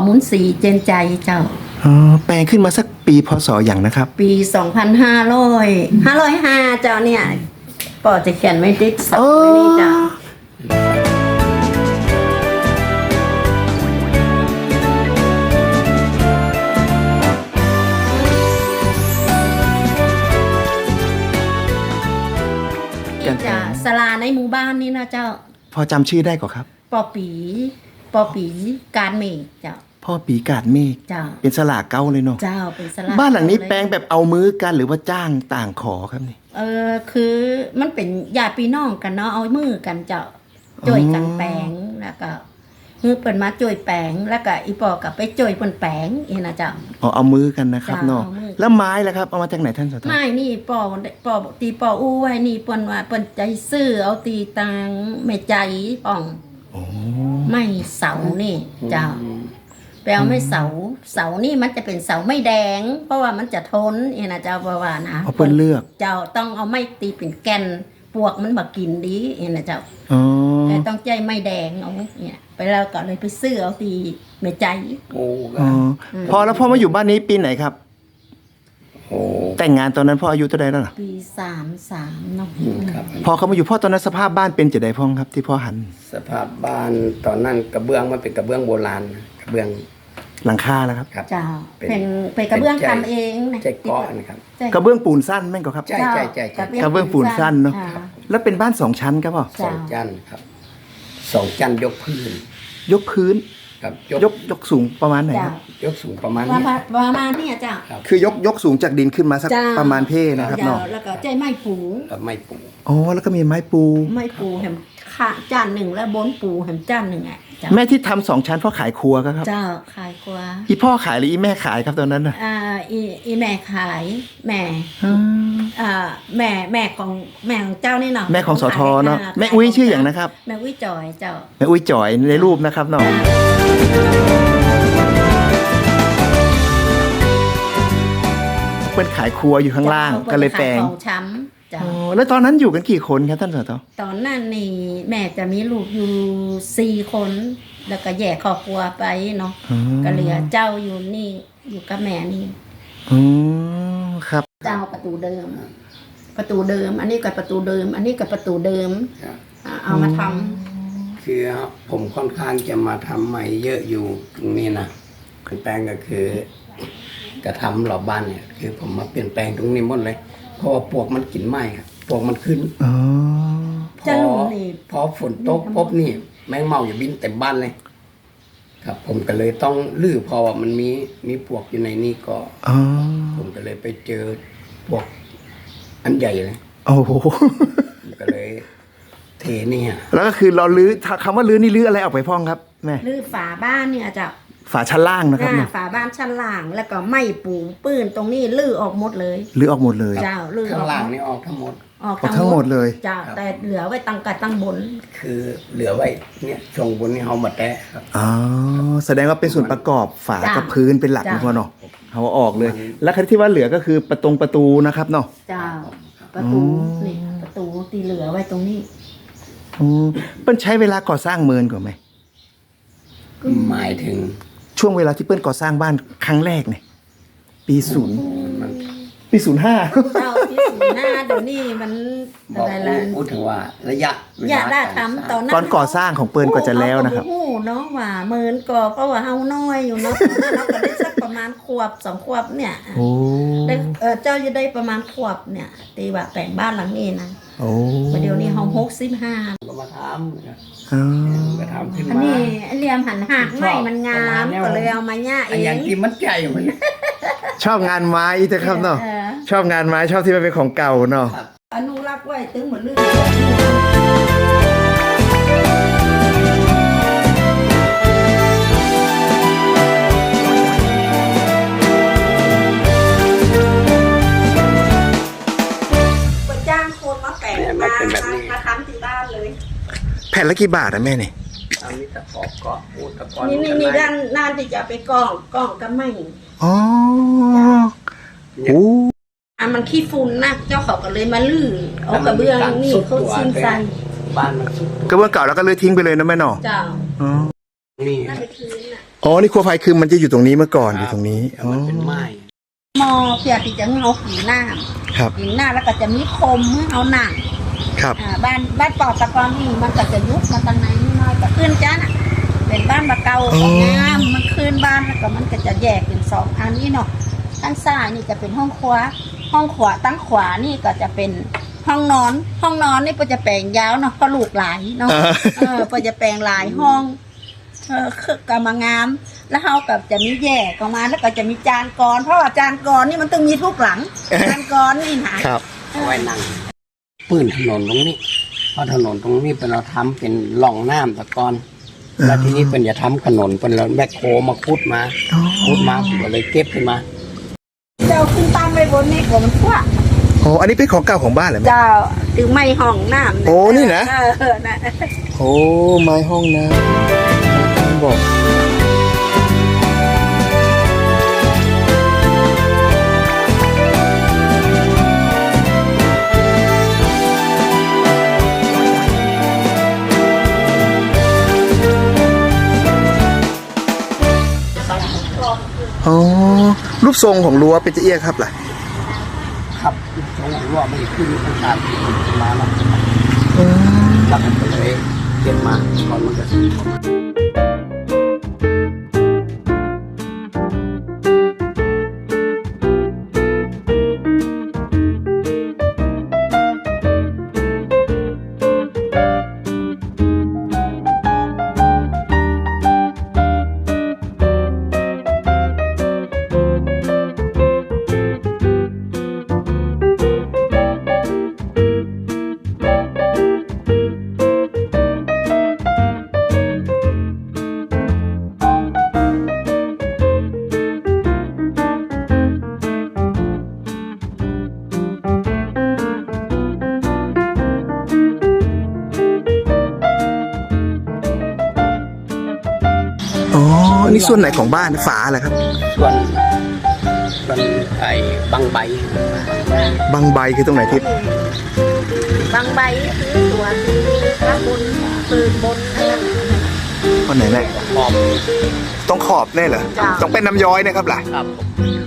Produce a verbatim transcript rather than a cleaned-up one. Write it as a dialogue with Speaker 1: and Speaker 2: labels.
Speaker 1: หมุนสีเจนใจเจ้า
Speaker 2: อ๋อแปลงขึ้นมาสักปีพศอย่างนะครับ
Speaker 1: ปีสองพันห้าร้อยห้าร้อยห้าเจ้าเนี่ยปอจะเขียนไม่ติดสักไม่นี่เจ้าจะสลาในหมู่บ้านนี่นะเจ้า
Speaker 2: พอจำชื่อได้ก่อนครับ
Speaker 1: ปอปีปอปีการเมฆเจ้า
Speaker 2: พ่อปีกาดเมฆ
Speaker 1: เจ้า
Speaker 2: เป็นสลาเก้าเลยเนาะ
Speaker 1: เจ้าเป็นสลา
Speaker 2: บ้านหลังนี้แปลงแบบเอามือกันหรือว่าจ้างต่างขอครับนี่
Speaker 1: เออคือมันเป็นญาติพี่น้องกันเนาะเอามือกันเจ้าจ่วยกันแปลงแล้วก็มือเปิดมาจ่วยแปลงแล้วก็อีปอกับไปจ่วยเปิ่นแปลงเองนะเจ้า
Speaker 2: อ๋อเอามือกันนะครับเนาะแล้วไม้ล่ะครับเอามาจากไหนท่านสต
Speaker 1: ไม้นี่ปอปอตีปออู้ไว้นี่เปิ้นว่าเปิ้นใจซื้อเอาตีตังแม่ใจป่องไม่เสานี่เจ้าแปลไม่เสาเสานี่มันจะเป็นเสาไม่แดงเพราะว่ามันจะทนเองนะเจ้าประว่านะ
Speaker 2: เอาเปิ้นเลือก
Speaker 1: เจ้าต้องเอาไม้ตีเป็นแกนปวกมันบักกินดีเองนะเจ้าแต่ต้องใจไม่แดงเอาเนี่ยไปแล้วก็เลยไปซื้อเอาตีแม่ใจ
Speaker 2: โอ้พอแล้วพ่อมาอยู่บ้านนี้ปีไหนครับแต่งงานตอนนั้นพ่ออายุเท่าไหร่แล้วล่ะ
Speaker 1: ปีสามสามเนาะ
Speaker 2: พอเขามาอยู่พ่อตอนนั้นสภาพบ้านเป็นจะได้พ่องครับที่พ่อหัน
Speaker 3: สภาพบ้านตอนนั้นกระเบื้องมันเป็นกระเบื้องโบราณกระเบื้อง
Speaker 2: หลังคาแล้วครับ
Speaker 1: เจ้าเป็นเป็นกระเบื้องทำเอง
Speaker 3: นะใจก้อนนะครับ
Speaker 2: กระเบื้องปูนสั้นแม่งก็ครับ
Speaker 3: ใช่ใช่ใช่
Speaker 2: กระเบื้องปูนสั้นเนาะแล้วเป็นบ้านสองชั้นครับพ่อ
Speaker 3: สองชั้นครับสองชั้นยกพื้น
Speaker 2: ยกพื้น
Speaker 3: ครับ
Speaker 2: ยกยกสูงประมาณไหนครับ
Speaker 3: ยกสูงประมาณ
Speaker 1: นี้ประมาณนี้จ้ะ
Speaker 2: คือยกยกสูงจากดินขึ้นมาสักประมาณเพนะครับเนาะ
Speaker 1: แล้วก็ใจไม้ปู
Speaker 3: ไม้ปู
Speaker 2: อ๋อแล้วก็มีไม้ปู
Speaker 1: ไม้ปูแหมข้าจานหนึ่งแล้วบนปูแหมจานหนึ่งอ่ะ
Speaker 2: แม่ที่ทำสองชั้นพ่อขายครัวครับ
Speaker 1: เจ้าขายครัว
Speaker 2: อีพ่อขายหรืออีแม่ขายครับตอนนั้น
Speaker 1: อ่ะอ่าอีอีแม่ขายแม่อ่าแม่แม่ของแม่ของเจ้านี่เนาะ
Speaker 2: แม่ของสทเนาะแม่อุ้ยชื่ออย่างนะครับ
Speaker 1: แม่อุ้ยจอยเจ้า
Speaker 2: แม่อุ้ยจอยในรูปนะครับเนาะเปิ้นขายครัวอยู่ข้างล่างก็เลยแปลง
Speaker 1: ของช้ำ
Speaker 2: อ๋อแล้วตอนนั้นอยู่กันกี่คนครับท่านสท
Speaker 1: ตอนนั้นนี่แม่จะมีลูกอยู่สี่คนแล้วก็แยกครอบครัวไปเนาะก็เหลือเจ้าอยู่นี่อยู่กับแม่นี่
Speaker 2: อืมครับ
Speaker 1: เจ้าประตูเดิมประตูเดิมอันนี้กับประตูเดิมอันนี้กับประตูเดิมเอามาท
Speaker 3: ำคือผมค่อนข้างจะมาทำใหม่เยอะอยู่ตรงนี้นะคือแปลงก็คือกระทำรอบบ้านเนี่ยคือผมมาเปลี่ยนแปลงตรงนี้หมดเลยเพราะว่าปวกมันกินไหมครับปวกมันขึ้น
Speaker 2: อ๋อ
Speaker 3: พอพอฝนตกปุ๊บนี่แมงเม่าอย่าบินเต็มบ้านเลยครับผมก็เลยต้องลื้อพอว่ามันมีมีปวกอยู่ในนี้ก็ผมก็เลยไปเจอปวกอันใหญ่เลย
Speaker 2: โอ้โห
Speaker 3: ก็เลยเทนี่ฮะ
Speaker 2: แล้วก็คือเราลื้อคำว่าลื้อนี่ลื้ออะไรออกไปพ่องครับแม่
Speaker 1: ลื้อฝาบ้านเนี่ยจะ
Speaker 2: ฝาชั้นล่างนะครับ
Speaker 1: ฝาบ้านชั้นล่างแล้วก็ไม่ปูปื้นตรงนี้ลื้อออกหมดเลย
Speaker 2: ลื้อออกหมดเลย
Speaker 1: เจ้าลื้อ
Speaker 3: ข้างล่างนี่ออกทั้งหมด
Speaker 1: ออก
Speaker 2: ทั้งหมดเลย
Speaker 1: เจ้าแต่เหลือไว้ตั้งกัดตั้งบน
Speaker 3: คือเหลือไว้เนี่ยช่วงบนนี่เขาหมดแล้วครับ
Speaker 2: อ๋อแสดงว่าเป็นส่วนประกอบฝากับพื้นเป็นหลักนะพ่อเนาะเขาออกเลยแล้วที่ว่าเหลือก็คือประตูประตูนะครับเนาะ
Speaker 1: เจ้าประตูนี่ประตูตีเหลือไว้ตรงนี้
Speaker 2: อืมเปิ้ลใช้เวลาก่อสร้างเมินก่อนไหม
Speaker 3: หมายถึง
Speaker 2: ช่วงเวลาที่เปิ้ลก่อสร้างบ้านครั้งแรกเนี่ยปีศูนย์ปีศูนย์ห้า
Speaker 1: เจ้าปีศูนย์ห้าเดี๋ยวนี้มัน
Speaker 3: อะไรล่ะพูดถึงว่าระยะ
Speaker 1: ระยะได้ทำตอนนั้น
Speaker 2: ตอนก่อสร้างของเปิ้ลก็จะแล้วนะครับ
Speaker 1: โอ้เนาะว่าเมินก่อเพราะว่าเฮาน้อยอยู่เนาะเราก็ได้สักประมาณขวบสองขวบเนี่ย
Speaker 2: โอ้
Speaker 1: ได้เจ้าจะได้ประมาณขวบเนี่ยตีว่าแต่งบ้านหลังนี้นะ
Speaker 2: โอ้
Speaker 1: เดี๋ยวนี้เฮาหกสิบห้า
Speaker 3: ก็มาทำ
Speaker 2: อ๋อ
Speaker 3: ก็ทำขึ้นมา
Speaker 1: อันนี้เรียมหันหักไม่มันงามก็เลยเอามาย่าเอง
Speaker 3: อย่างที่มันใจมัน
Speaker 2: ชอบงานไม้แต่ครับเนาะชอบงานไม้ชอบที่มันเป็นของเก่าเนาะ
Speaker 1: อนุรักษ์ไว้ถึงเหมือนเรื่องจ้างคนมาแปะมามาทำที่บ้านเลย
Speaker 2: แผ่นละกี่บาทอะแม่เนี่ย
Speaker 3: อันนี้ตะกอบก็พูดตะกอบ
Speaker 1: นี่นี่นี่ด้านด้านที่จะไปกองกองก็ไม่
Speaker 2: อ๋อโอ้
Speaker 1: อ่ะมันขี้ฝุ่นนะเจ้าเขาก็เลยมาลื้อเอากระเบื้องนี่เขาซิ้นใส่
Speaker 3: บ้านมันสุด
Speaker 2: กระเบื้องเก่าแล้วก็เลยทิ้งไปเลยนะแม่หนอ
Speaker 1: เจ้า
Speaker 2: อ๋อ
Speaker 3: นี่
Speaker 1: น่าไปทิ้งน่ะ
Speaker 2: อ๋อ นี่ครัวไฟคือมันจะอยู่ตรงนี้เมื่อก่อนอยู่ตรงนี้ อ๋อ
Speaker 3: มันเป็นไม้
Speaker 1: หมอเพื่อที่จะเอาหินหน้า
Speaker 2: ครับ
Speaker 1: หินหน้าแล้วก็จะมีคมให้เอาหนัง
Speaker 2: ครับ
Speaker 1: อ่าบ้านบ้านปอตะกอนนี่มันก็จะยุบมาตั้งไหนนิดหน้อยก็ขึ้นจ้าน่ะเป็นบ้านบะเก่า
Speaker 2: อ๋อ
Speaker 1: ของงามมันขึ้นบ้านแล้วก็มันก็จะแยกเป็นสองอันนี้เนาะด้านซ้ายนี่จะเป็นห้องครัวห้องขวาตั้งขวานี่ก็จะเป็นห้องนอน ห้องนอนนี่ก็จะแปลงยาวเนาะเพราะลูกหลายเนาะ
Speaker 2: อ่า
Speaker 1: เออก็จะแปลงหลายห้องเออคือกำมางาม แล้วเขากับจะมีแยกออกมาแล้วก็จะมีจานกรเพราะว่าจานกรนี่มันต้องมีทุกหลัง จานกรนี่หนา
Speaker 2: ครับ
Speaker 3: เอาไว้นั่งปืนถนนตรงนี้เพราะถนนตรงนี้เป็นเราทำเป็นหล่องน้ำตะกอนแล้วทีนี้เป็นจะทำถนนเป็นเราแบคโคมาขุดมาขุดมาผมก็เลยเก็บขึ้นมา
Speaker 1: เจ้าขึ้นตามไปบนนี่กว่ามันกว้าง
Speaker 2: โอ้อันนี้เป็นของเก่าของบ้านเหรอแม่
Speaker 1: เจ้าถึงไม่ห้องน้ำ
Speaker 2: โอ้นี่นะ
Speaker 1: เออเออนะ
Speaker 2: โอ้ ไม้ห้องน้ำบอก อ๋อ รูปทรงของรั้วเป็นจะเอี้ยครับล่ะ
Speaker 3: ครับสองหัวไม่ขึ้นตั้งแต่มาแล้ว
Speaker 2: อืม
Speaker 3: แล้วผมก็เลยเก็บมาก่อนมันจะซื้อเข้ามา
Speaker 2: อ๋อ นี่ส่วนไหนของบ้านฝาเหรอครับ
Speaker 3: ส่วนส่วนไอ้บางใบบ
Speaker 2: างใบคือตรงไหนทิศ
Speaker 1: บางใบคือตัวคือข้างบนปืนบนนั่น
Speaker 2: วันไหนแม่
Speaker 3: หอม
Speaker 2: ต้องขอบแน่เหรอ
Speaker 1: จ้ะ
Speaker 2: ต้องเป็นน้ำย้อยนะครับล่ะ
Speaker 3: ครับผม